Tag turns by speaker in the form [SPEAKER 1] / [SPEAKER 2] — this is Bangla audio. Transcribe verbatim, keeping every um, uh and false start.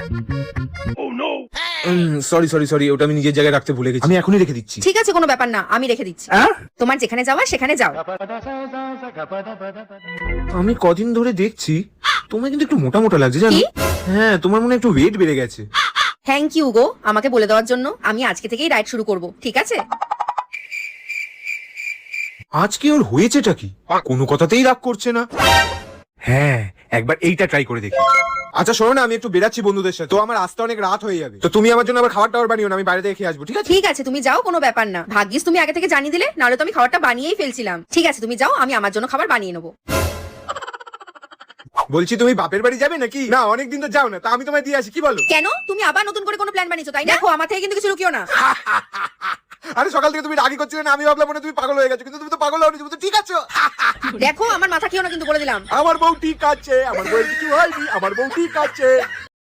[SPEAKER 1] সরি সরি সরি ওটা আমি নিজের জায়গায় রাখতে ভুলে গেছি, আমি এখনই রেখে দিচ্ছি।
[SPEAKER 2] ঠিক আছে কোনো ব্যাপার না, আমি রেখে দিচ্ছি। তোমার যেখানে যাওয়া সেখানে যাও।
[SPEAKER 1] আমি কদিন ধরে দেখছি তোমার কিন্তু একটু মোটা মোটা লাগছে জানো।
[SPEAKER 2] কি?
[SPEAKER 1] হ্যাঁ তোমার মনে হয় একটু ওয়েট বেড়ে গেছে।
[SPEAKER 2] থ্যাংক ইউ গো আমাকে বলে দেওয়ার জন্য। আমি আজকে থেকেই ডায়েট শুরু করব, ঠিক আছে?
[SPEAKER 1] আজকে ওর হয়েছেটা কি? কোনো কথাতেই রাগ করছে না। হ্যাঁ একবার এইটা ট্রাই করে দেখি। আচ্ছা শোনো না, আমি একটু বেরাচ্ছি বন্ধুদের সাথে, তো আমার আসতে অনেক রাত হয়ে যাবে, তো তুমি আমার জন্য আবার খাবার টাবার বানিও না, আমি বাইরে থেকে খেয়ে আসবো, ঠিক আছে?
[SPEAKER 2] ঠিক আছে তুমি যাও, কোনো ব্যাপার না। ভাগ্যিস তুমি আগে থেকে জানিয়ে দিলে, নাহলে তো আমি খাবারটা বানিয়েই ফেলছিলাম। ঠিক আছে তুমি যাও, আমি আমার জন্য খাবার বানিয়ে নেবো।
[SPEAKER 1] বলছি তুমি বাপের বাড়ি যাবে নাকি? না অনেকদিন তো যাও না, তা আমি তোমায় দিয়ে আসি, কি বলো?
[SPEAKER 2] কেন তুমি আবার নতুন করে কোনো প্ল্যান বানিয়েছো তাই না? দেখো আমার থেকে কিন্তু কিছু লুকিও না।
[SPEAKER 1] আরে সকাল থেকে তুমি রাগি করছিলে না, আমি ভাবলাম মনে হয় তুমি পাগল হয়ে গেছো, কিন্তু তুমি তো পাগল হওনি, তুমি তো ঠিক আছো।
[SPEAKER 2] দেখো আমার মাথা খেও না কিন্তু, বলে দিলাম।
[SPEAKER 1] আমার বউ ঠিক আছে, আমার বউ কিছু হয়নি, আমার বউ ঠিক আছে।